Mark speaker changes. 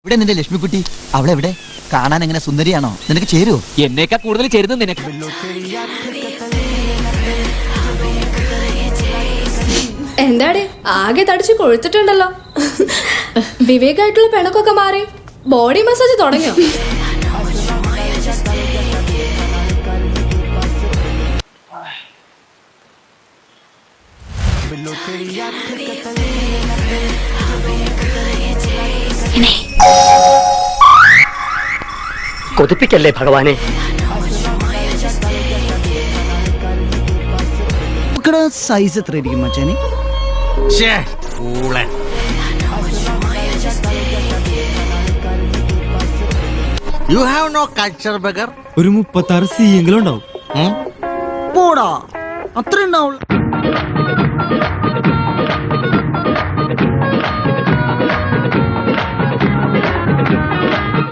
Speaker 1: ഇവിടെ നിന്റെ ലക്ഷ്മിക്കുട്ടി അവളെവിടെ? കാണാൻ എങ്ങനെ സുന്ദരിയാണോ? നിനക്ക് ചേരുവോ?
Speaker 2: എന്നേക്കാ കൂടുതൽ ചേരുന്നത് നിനക്ക്.
Speaker 3: എന്താടി ആകെ തടിച്ച് കൊഴുത്തിട്ടുണ്ടല്ലോ. വിവേകായിട്ടുള്ള പെണക്കൊക്കെ മാറി ബോഡി മസാജ് തുടങ്ങിയോ?
Speaker 4: കൊതിപ്പിക്കല്ലേ ഭഗവാനെ.
Speaker 5: സൈസ് എത്ര ഇരിക്കും മച്ചാനെ?
Speaker 6: You have no culture, beggar.
Speaker 5: ഒരു 36 സി എങ്കിലും ഉണ്ടാവും. പോടാ, അത്ര ഉണ്ടാവുള്ളൂ.